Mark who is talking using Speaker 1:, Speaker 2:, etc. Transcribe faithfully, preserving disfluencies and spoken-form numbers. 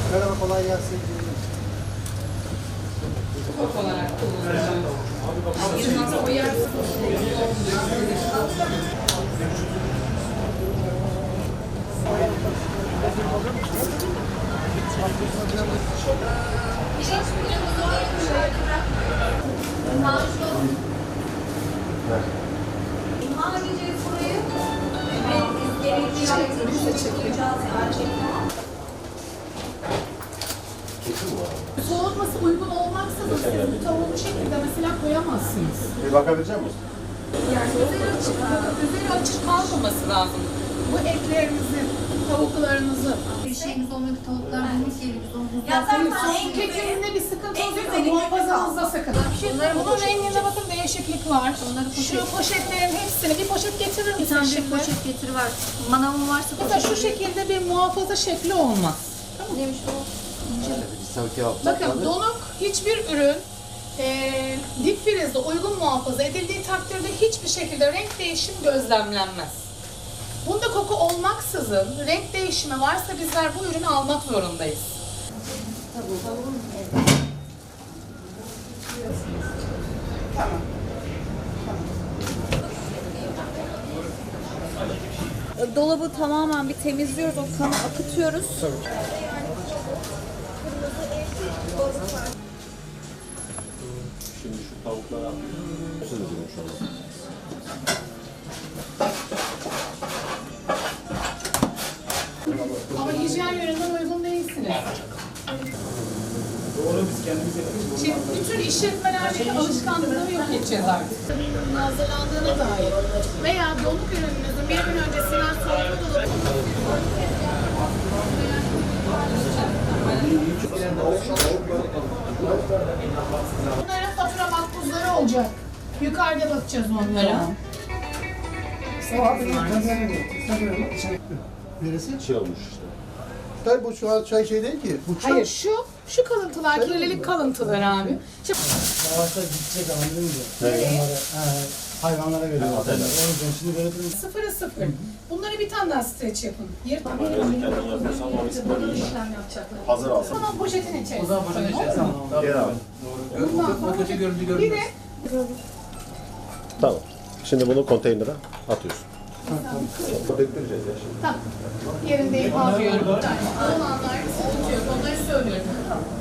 Speaker 1: Merhaba, kolay gelsin.
Speaker 2: Top olarak kullanacağım. Yılmaz'a koyarsın.
Speaker 3: İmha edeceğiz burayı. Ve gerekli şekilde çekeceğiz gerçekten.
Speaker 2: Soğutması uygun olmaksızın siz bu tavuğu bu şekilde mesela koyamazsınız.
Speaker 1: Bir bakabilecek misin?
Speaker 2: Yani üzeri açık, üzeri açık kalmaması lazım. Bu etlerinizi, tavuklarınızı.
Speaker 4: Bir şeyimiz olmadı, tavuklarımız yeri biz onu
Speaker 3: Ya
Speaker 2: Senin
Speaker 3: zaten
Speaker 2: soğuk
Speaker 3: en
Speaker 2: getirdiğinde bir sıkıntı
Speaker 3: en
Speaker 2: oluyorsa
Speaker 3: güzeli
Speaker 2: muhafazanızda sıkıntı.
Speaker 4: Bunları
Speaker 2: Bunun
Speaker 4: poşet-
Speaker 2: renginde bakın değişiklik var.
Speaker 4: Onları poşet-
Speaker 2: Şu poşetlerin hepsini bir poşet getirir
Speaker 4: bir
Speaker 2: misin
Speaker 4: tane bir
Speaker 2: şimdi?
Speaker 4: poşet getir var. Manavım varsa
Speaker 2: Mesela
Speaker 4: poşet.
Speaker 2: şu şekilde bir muhafaza şekli olmaz.
Speaker 4: Neymiş o?
Speaker 1: Sanki
Speaker 2: Bakın donuk hiçbir ürün eee dip frizde uygun muhafaza edildiği takdirde hiçbir şekilde renk değişim gözlemlenmez. Bunda koku olmaksızın renk değişimi varsa bizler bu ürünü almak zorundayız.
Speaker 5: Dolabı tamamen bir temizliyoruz, o kanı akıtıyoruz.
Speaker 6: Şimdi şu tavuklara nasıl ediyorum şu anda?
Speaker 2: Ama hijyen yönünden uygun değilsiniz.
Speaker 6: Doğru, biz kendimiz yapıyoruz.
Speaker 2: Şimdi bütün işletmelerdeki alışkanlıkları yok edeceğiz artık. Ürünün hazırlandığına dair veya donuk ürününüzün bir gün öncesinden soğutma dolabı bunların fatura makbuzları olacak. Yukarıda bakacağız onlara.
Speaker 1: Neresi?
Speaker 6: Şey olmuş işte.
Speaker 1: Tabii bu şu an çay şey değil ki. Bu çay.
Speaker 2: Hayır şu, şu kalıntılar, kirlilik kalıntıları abi. Şimdi
Speaker 7: Savaşta gidecek anladın mı?
Speaker 2: nereye?
Speaker 7: Ha, hayvanlara veriyorlar.
Speaker 6: Ha,
Speaker 7: O yüzden şimdi böyle bir
Speaker 2: Sıfırı sıfır. Bunları bir tane daha streç yapın. Yırt.
Speaker 6: Kendin yapıyorsan o riskli.
Speaker 2: işlem yapacaklar.
Speaker 6: Hazır alsın.
Speaker 2: Tamam poşetin içerisine.
Speaker 7: O zaman poşet
Speaker 2: koyun,
Speaker 7: içerisine
Speaker 2: olur mu?
Speaker 7: tamam.
Speaker 6: Gel abi.
Speaker 2: Bundan sonra
Speaker 7: O kötü görüntü
Speaker 2: bir
Speaker 7: görünmez.
Speaker 2: de
Speaker 6: Tamam. Şimdi bunu konteynere atıyorsun. Döktüreceğiz ya şimdi.
Speaker 2: tamam. Yerinde alıyorum. Olanlar, unutuyorum. Onları söylüyorum.